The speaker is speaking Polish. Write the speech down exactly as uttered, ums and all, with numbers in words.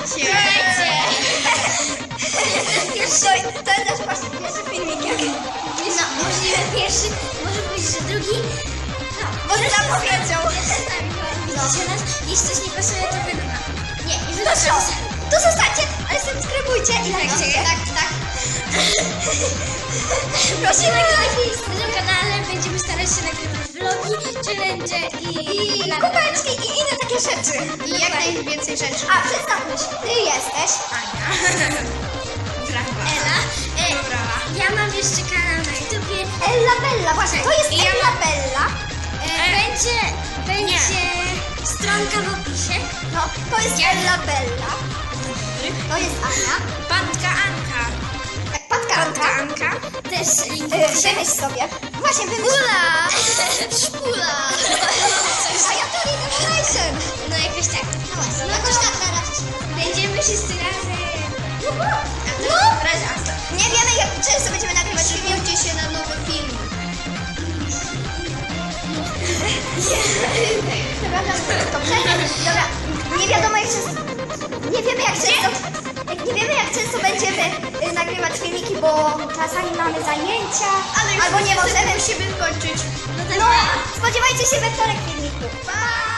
Słuchajcie! To, to jest nasz właśnie pierwszy filmik, jak... No, możliwe pierwszy, może być, że drugi. No, Może nam powiedział. Widzicie nas? Jeśli coś nie pasuje, to wy... Nie, nie wy To co? To zostańcie, ale subskrybujcie i lajkujcie. Tak, tak. Prosimy o lajki. Na tym kanale będziemy starać się nagrywać vlogi, challenge i... I kubeczki i inne takie rzeczy. I jak najwięcej rzeczy. A, przedstawmy się. Ty jesteś Ania. Ela. E, ja mam jeszcze kanał na YouTubie. Ella Bella, właśnie, to jest I ja Ella mam- Bella. E, będzie... Będzie... Stronka w opisie. No, to jest Ella Bella. To jest Ania. Patka Anka. Tak, Patka Patka Anka. Anka. Też link w Y, opisie. Wymyśl sobie. Właśnie, wymyśl. Szpula. A ja to Illustration. No jakoś tak. No właśnie, No jakoś to- tak teraz. Będziemy wszyscy razem. No, Razem. nie wiemy jak często będziemy nagrywać filmiki. Przygotujcie się na nowy film. Przepraszam, dobrze? Dobra, nie wiadomo jak często... Nie wiemy jak często... jak- Nie wiemy jak często będziemy y, nagrywać filmiki, bo czasami mamy zajęcia, albo nie możemy. Musimy kończyć. No, spodziewajcie się we wtorek filmiku. Pa!